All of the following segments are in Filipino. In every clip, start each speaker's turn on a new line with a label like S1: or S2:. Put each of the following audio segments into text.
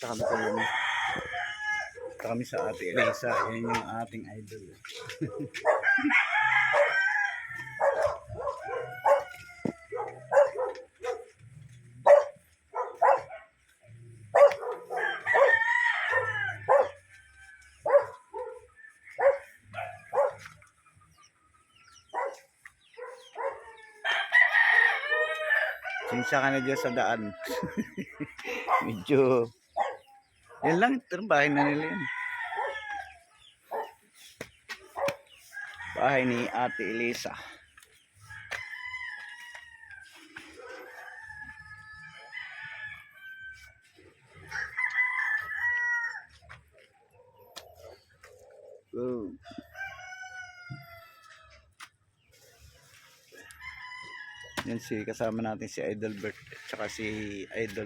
S1: Punta kami sa Ate Elisa. Yan yung ating idol. Sinsya ka na dyan sa daan. Medyo yan lang, ito bahay na nila yan. Bahay ni Ate Elisa. Go. Yan si kasama natin si Idol Bert at saka si Idol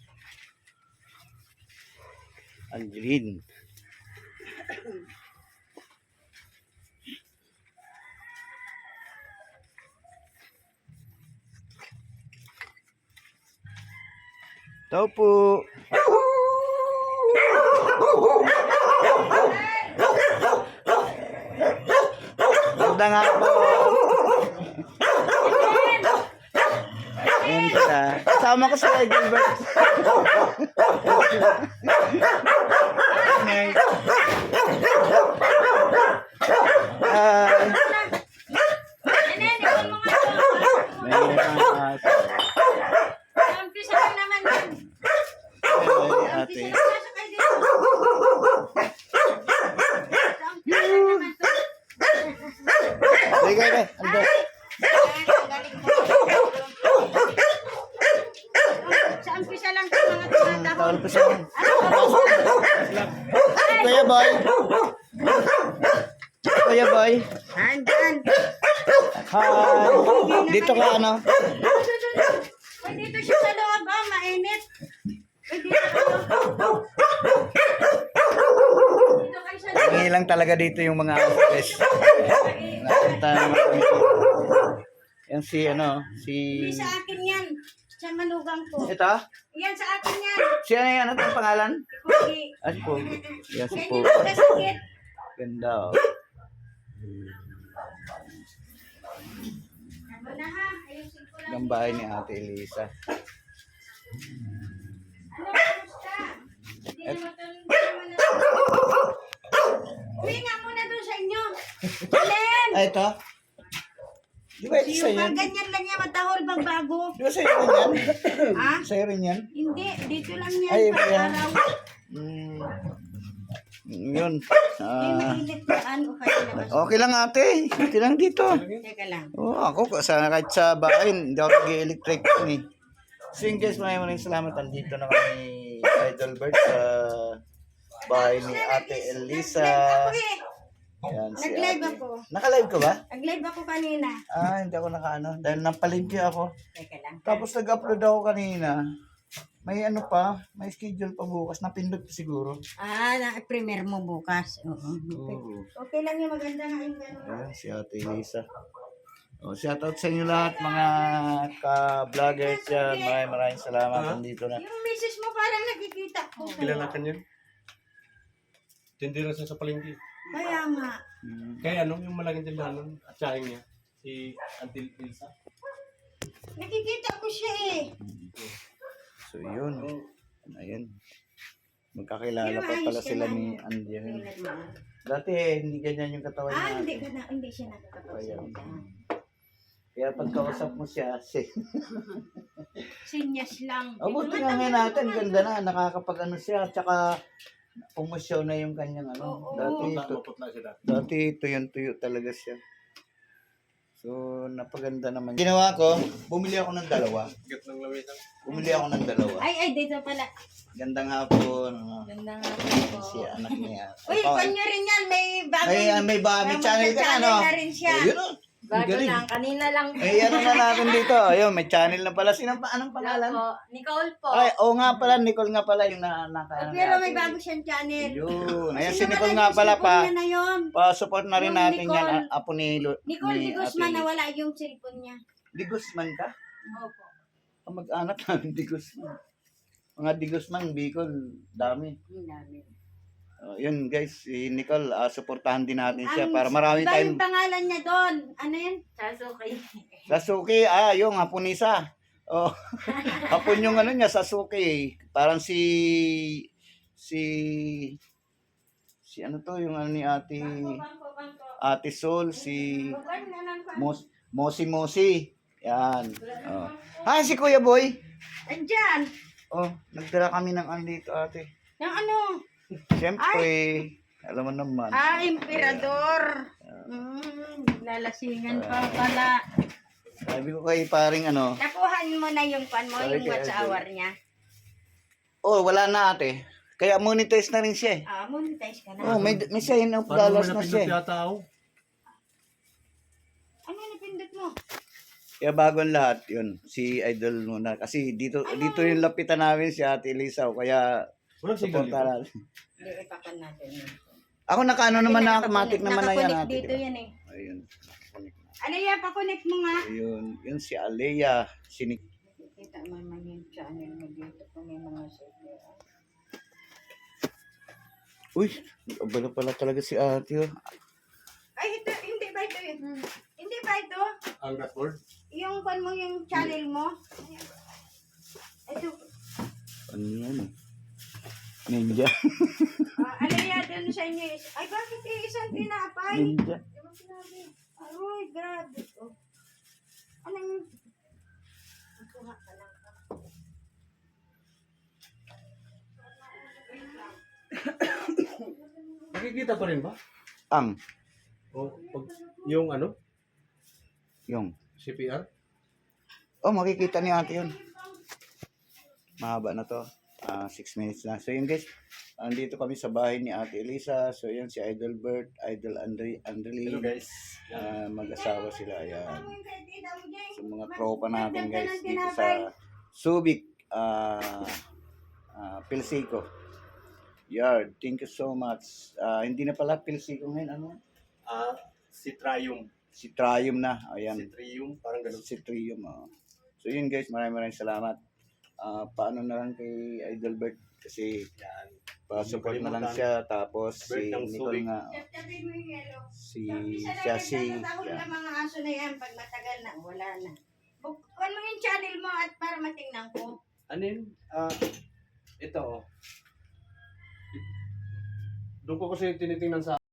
S1: Angeline. Tao po. Ganda nga po. Ayan sila. Kasama ko si Idol Bert. Kuya Boy. Kuya Boy.
S2: Andyan.
S1: Hi. Dito ka ano?
S2: Uy, dito siya sa loob, oh, mainit. Uy, dito kayo sa loob.
S1: Hingi lang talaga dito yung mga office. Nakita naman kami. Yan si ano, si...
S2: Hindi sa akin yan. Sa manugang ko.
S1: Ito?
S2: Yan sa akin yan.
S1: Si ano yan? Ano ang pangalan?
S2: Kugi.
S1: Ah, si Pogi. Yan si
S2: Yan
S1: Pogi.
S2: yung magkasakit.
S1: Ganda oh.
S2: Ano na ha? Ayusin ko lang.
S1: Ang bahay ni Ate Elisa.
S2: Ano, kamusta? Hindi naman ito. Uwi nga muna doon sa inyo. Len!
S1: Ah, ito? Di ba ito sa'yo?
S2: Yung ganyan lang yan, matahol bang bago.
S1: Di ba sa'yo rin yan?
S2: Ha?
S1: Sa'yo rin yan?
S2: Hindi, dito lang yan.
S1: Ay,
S2: pag
S1: yan.
S2: araw.
S1: Yun.
S2: Hindi mainit na ano kayo labas.
S1: Okay lang ate. Okay lang dito.
S2: Teka lang.
S1: Oh, ako kahit sa bahay, hindi ako nag-electric eh. So yun guys, maraming salamat. Andito na kami Idol Bert sa bahay ni Ate Elisa. Yan, si
S2: Nag-live
S1: Ate.
S2: ako.
S1: Naka-live ka ba?
S2: Nag-live ako kanina.
S1: Ah, hindi ako naka-ano. Dahil napalingki ako.
S2: Teka lang.
S1: Tapos nag-upload ako kanina. May ano pa, may schedule pa bukas. Napindot pa siguro.
S2: Ah, na-premier mo bukas. Oo.
S1: Oo.
S2: Okay lang yung maganda nga yung gano'n.
S1: Ayan, si Ate Elisa. Oh, shout out sa inyo lahat mga ka-vloggers yan. Maraming salamat. Nandito na.
S2: Yung misis mo parang nakikita ko.
S3: Kilala ka niyan? Tindira siya sa palengke.
S2: Kaya nga.
S3: Kaya ano, yung malaking tindahan nun, at sahing niya, si Auntie Elsa.
S2: Nakikita ko siya eh.
S1: So yun. Ayan. Magkakilala pa pala sila ni Andian. Dati hindi ganyan yung katawan
S2: Ah,
S1: niya.
S2: hindi siya nakakapagsalita.
S1: Kaya pagkausap mo siya,
S2: Sinyas lang.
S1: buti nga ngayon natin, ganda na, nakakapag ano siya, tsaka pumusyaw na yung kanyang ano.
S2: Oo.
S3: Maputla siya dati.
S1: Dati tuyo talaga siya. So, napaganda naman. Ginawa ko, bumili ako ng dalawa.
S3: Gat ng lawisan.
S1: Bumili ako ng dalawa.
S2: Ay, dito pala.
S1: Gandang hapon.
S2: Ganda nga po.
S1: Si anak niya.
S2: Uy, kanya rin yan. May bagay.
S1: May channel ka na, no?
S2: na rin siya.
S1: Oh, yun o.
S2: Bago lang. Kanina lang.
S1: May ano na natin dito. Ayun, may channel na pala. Anong pangalan?
S2: Po. Nicole po.
S1: Ay, oo nga pala. Nicole nga pala yung naka.
S2: Pero may bago siyang channel.
S1: Yun. Ayan, si
S2: Kasi
S1: Nicole
S2: nawala
S1: nga
S2: yung
S1: pala
S2: cellphone
S1: pa.
S2: niya na yun.
S1: Pa-support na rin
S2: Yung
S1: natin yan.
S2: Nicole.
S1: Apo ni
S2: Nicole Di Guzman,
S1: Ate
S2: nawala yung cellphone niya.
S1: Di Guzman ka?
S2: Opo.
S1: Mag-anak namin Di Guzman. Mga Di Guzman, Bicol, dami.
S2: Ang dami.
S1: Yun guys, si Nicole, suportahan din natin siya para marami
S2: Iba
S1: tayong
S2: yung pangalan niya doon. Ano yun? Sasuke.
S1: Sasuke, yung Hapunisa. Oh, hapon yung ano niya, Sasuke. Parang si ano to, yung ano ni Ate Sol, si Mosi. Yan. Oh. Si Kuya Boy.
S2: Andyan.
S1: Oh, nagdala kami ng ano dito, ate.
S2: Yung ano?
S1: Siyempre, alam mo naman.
S2: Emperador. Lalasingan pa pala.
S1: Sabi ko kay paring ano.
S2: Nakuhan mo na yung pan mo,
S1: Sorry,
S2: yung watch
S1: kaya-
S2: hour niya.
S1: Oh, wala na ate. Kaya monetize na rin siya eh.
S2: Monetize ka na.
S1: Oh, may sign of
S3: Parang
S1: dollars na
S3: mo napindot
S1: siya.
S3: yata ako.
S2: Ano napindot mo?
S1: Kaya bago ang lahat, yun, si Idol muna. Kasi dito yung lapitan namin si Ate Elisa. Kaya,
S3: Walang signal
S1: supporta
S3: dito.
S1: natin.
S2: Hindi, ipakan natin.
S1: Ako nakaano naman na, automatic naman na yan.
S2: Nakakunik
S1: Ate,
S2: dito
S1: diba?
S2: yan eh.
S1: Ayun.
S2: Ano yan, pakunik mo nga.
S1: Ayun. Yun si Alea.
S2: Kita mo naman yung channel mo dito kung may mga super.
S1: Uy, abala pala talaga si Ate. Oh.
S2: Ay, ito, hindi ba ito yun? Hindi ba ito?
S3: Ang dashboard.
S2: Yung pan mo, yung channel mo? Ito,
S1: Ano yan eh? Ninja.
S2: ano yan dun sa inyo? Ay, bakit isang tinapay?
S1: Ninja.
S2: Di ba sinabi? Ay, grabe. Oh. Anong... Kuha ka lang.
S3: Nakikita pa rin ba?
S1: Ang.
S3: O, pag, yung ano?
S1: Yung.
S3: CPR?
S1: Oh, makikita ni Ate yun. Mahaba na to. 6 minutes na. So yun guys, andito kami sa bahay ni Ate Elisa. So yun si Idol Bert, Idol Andrely.
S3: Hello guys.
S1: Mag-asawa sila. Ayan. So mga tropa natin guys dito sa Subic, Pilsico. Yard. Thank you so much. Hindi na pala Pilsico ngayon. Ano?
S3: Citrium.
S1: Si Trium na. Ayan.
S3: Citrium, parang ganun.
S1: Si Trium. So yun guys, maraming salamat. Paano na lang kay Idol Bert kasi
S3: Yan.
S1: pa-support na lang siya. Tapos si
S3: Bert ng
S1: Nicole
S3: Subic.
S1: nga.
S2: Tabi mo yung yelo.
S1: Siya si
S2: ng mga aso na yan. Pag matagal na, wala na. Bukwan mo yung channel mo at para matingnan ko.
S3: Ano yun? Ito oh. Doon ko kasi tinitingnan sa